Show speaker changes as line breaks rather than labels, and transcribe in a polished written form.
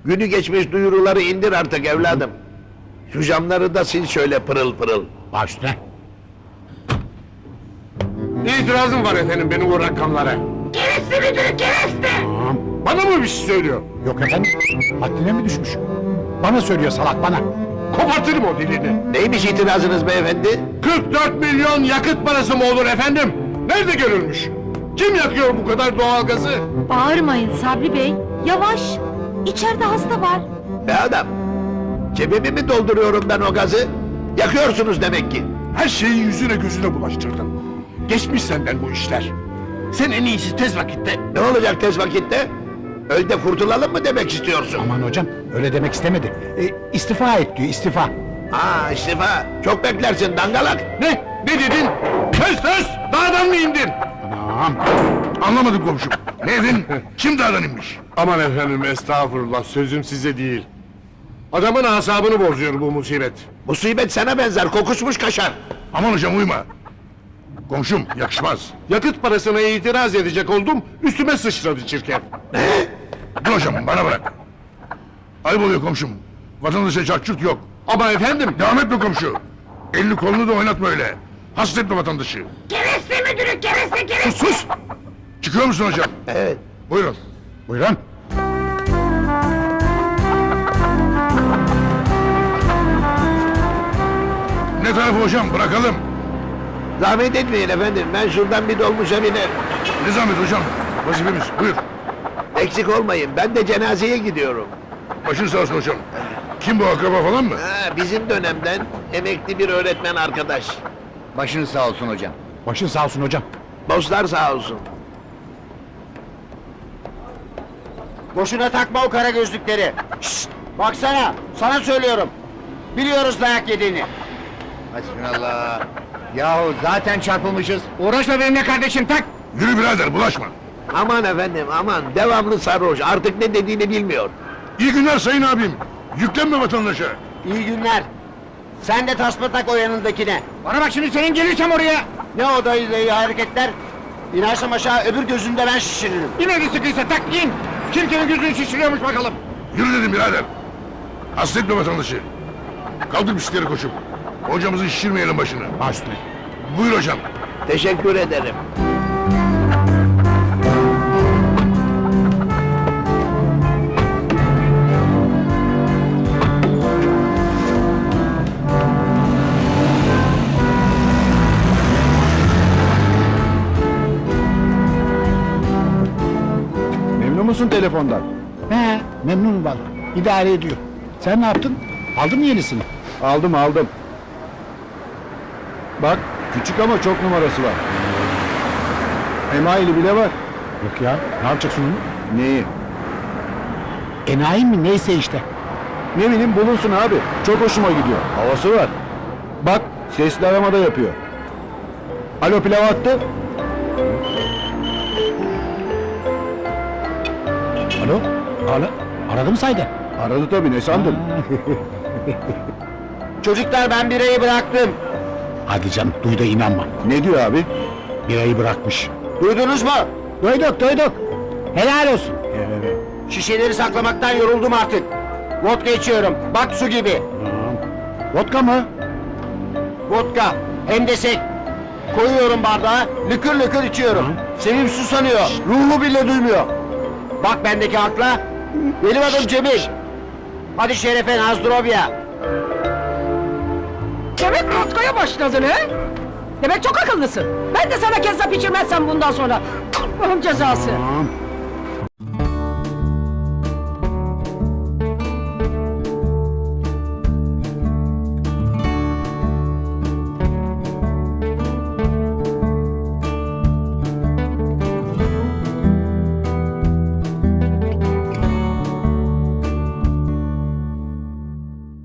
Günü geçmiş duyuruları indir artık evladım. Şu camları da sil şöyle pırıl pırıl.
Baş üstüne.
İtirazım var efendim benim o rakamlara.
Kereste müdürü kereste!
Tamam.
Bana mı bir şey söylüyor?
Yok efendim. Haddine mi düşmüş? Bana söylüyor salak bana.
Kopartırım o dilini.
Neymiş itirazınız beyefendi?
44 milyon yakıt parası mı olur efendim? Nerede görülmüş? Kim yakıyor bu kadar doğalgazı?
Bağırmayın Sabri Bey. Yavaş. İçeride hasta var.
Be adam, cebimi mi dolduruyorum ben o gazı? Yakıyorsunuz demek ki.
Her şeyi yüzüne gözüne bulaştırdın. Geçmiş senden bu işler. Sen en iyisi tez vakitte.
Ne olacak tez vakitte? Öl de kurtulalım mı demek istiyorsun?
Aman hocam öyle demek istemedi. İstifa et diyor istifa.
Ha istifa, çok beklersin dangalak.
Ne? Ne dedin? Söz! Dağdan mı indin?
Anam.
Anlamadım komşum. Ne dedin? Kim dağdan inmiş? Aman efendim estağfurullah sözüm size değil. Adamın asabını bozuyor bu musibet.
Musibet sana benzer, kokuşmuş kaşar.
Aman hocam uyma. Komşum yakışmaz.
Yakıt parasına itiraz edecek oldum, üstüme sıçradı çirkef.
Dur hocam bana bırak. Ayıp oluyor komşum. Vatandaşa çarçurt yok.
Ama efendim,
Devam etme komşu. Elini kolunu da oynatma öyle. Hasta etme vatandaşı.
Kereste müdürü kereste kereste!
Sus! Çıkıyor musun hocam?
Evet.
Buyurun.
Buyurun.
Ne tarafı hocam bırakalım.
Zahmet etmeyin efendim, ben şuradan bir dolmuşa biner.
Ne zahmet hocam. Vazifemiz buyur.
Eksik olmayın, ben de cenazeye gidiyorum.
Başın sağ olsun hocam. Kim bu akraba falan mı?
Ha, bizim dönemden emekli bir öğretmen arkadaş.
Başınız sağ olsun hocam.
Başın sağ olsun hocam.
Dostlar sağ olsun.
Boşuna takma o kara gözlükleri. Şşt! Baksana, sana söylüyorum. Biliyoruz dayak yediğini. Hasbinallah. Yahu zaten çarpılmışız. Uğraşma benimle kardeşim, tak!
Yürü birader bulaşma.
Aman efendim aman, devamlı sarhoş, artık ne dediğini bilmiyor.
İyi günler sayın abim. Yüklenme vatandaşa.
İyi günler. Sen de tasma tak o yanındakine. Bana bak şimdi senin gelirsem oraya. Ne o dayı dayı hareketler? İnersem aşağı öbür gözünde ben şişiririm.
yine de sıkıysa tak in! Kim kimin gözünü şişiriyormuş bakalım.
Yürü dedim birader. Hasta etme vatandaşı. Kaldır bisikleri koşup. Hocamızı şişirmeyelim başını.
Baş üstüne.
Buyur hocam.
Teşekkür ederim.
Memnun musun telefondan?
He, memnunum valla. İdare ediyor. Sen ne yaptın? Aldın mı yenisini?
Aldım. Bak, küçük ama çok numarası var. Emaili bile var.
Yok ya. Ne yapacaksın onu?
Neyi?
Enayi mi neyse işte.
Ne bileyim bulunsun abi. Çok hoşuma gidiyor. Havası var. Bak, sesli arama da yapıyor. Alo pilav attı.
Alo? Aradı mı saydı?
Aradı tabii, ne sandın? Çocuklar ben birayı bıraktım.
Hadi canım duy da inanma.
Ne diyor abi?
Birayı bırakmış.
Duydunuz mu?
Duyduk. Helal olsun.
Şişeleri saklamaktan yoruldum artık. Vodka içiyorum. Bak su gibi.
Vodka mı?
Vodka. Hem de sek. Koyuyorum bardağa. Lıkır lıkır içiyorum. Sevim su sanıyor. Ruhu bile duymuyor. Bak bendeki akla. Benim adım Cemil. Hadi şerefe Nazdrovya.
Demek vodkaya başladın he? Demek çok akıllısın. Ben de sana kezzap içirmezsem bundan sonra. Allah'ın cezası.
Tamam.